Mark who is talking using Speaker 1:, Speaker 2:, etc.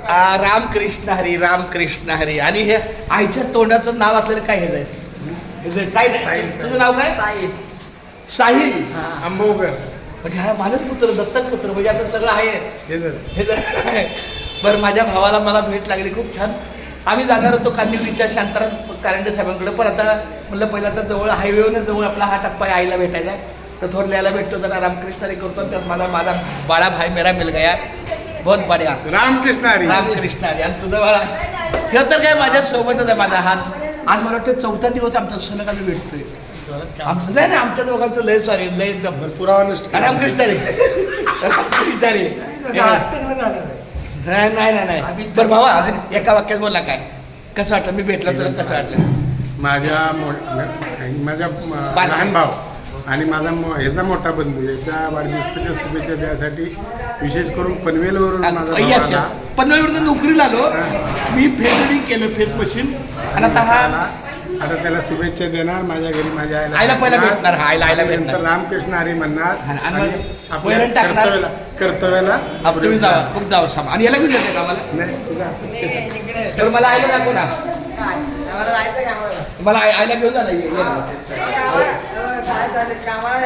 Speaker 1: रामकृष्ण हरी, रामकृष्ण हरी. आणि हे आईच्या तोंडाचं नाव आपल्याला काय हे जाईल काय नाही. तुझं नाव काय? साहिल. साहिल
Speaker 2: आंबोगर.
Speaker 1: म्हणजे हा माझाच पुत्र, दत्तक पुत्र. म्हणजे आता सगळं आहे. बरं, माझ्या भावाला मला भेट लागली खूप छान. आम्ही जाणार होतो कांदिवलीच्या शांताराम कारंडे साहेबांकडे, पण आता म्हणलं पहिला तर जवळ हायवेवरच जवळ आपला हा टप्पा आहे आईला भेटायचा. तर थोरल्याला भेटतो, जरा रामकृष्ण हरी करतो. त्यात माझा बाळा भाई मेरा मिल गया, बहुत बढिया.
Speaker 2: रामकृष्ण हरी,
Speaker 1: रामकृष्ण हरी. आणि तुझं बाळा हे तर काय माझ्या सोबतच आहे. माझा हात आज मला वाटतं 4था दिवस आमचा सलग आम्ही भेटतोय. आमचं नाही ना, आमच्या दोघांचं लय सॉरी, लय
Speaker 2: पुरावा नसतो.
Speaker 1: रामकृष्ण हरी, रामकृष्ण हरी. नाही. बरं भावा, अजून एका वाक्यात बोला, काय कसं वाटलं मी भेटला तुला, कसं वाटलं?
Speaker 2: माझ्या लहान भाव आणि माझा ह्याचा मोठा बंधू याच्या वाढदिवसाच्या शुभेच्छा द्यासाठी विशेष करून पनवेलवरून
Speaker 1: पनवेलवरून नोकरीला आलो मी. फेस केलं, फेस मशीन. आणि
Speaker 2: आता त्याला शुभेच्छा देणार. माझ्या घरी माझ्या
Speaker 1: आईला पहिला भेटणार. आईला
Speaker 2: नंतर रामकृष्ण हरी म्हणणार.
Speaker 1: आपल्या
Speaker 2: कर्तव्याला
Speaker 1: तुम्ही जावा, खूप जावं सामान. आणि याला घेऊन जाते का मला? तर मला आईला दाखव ना. मला आईला घेऊन जा.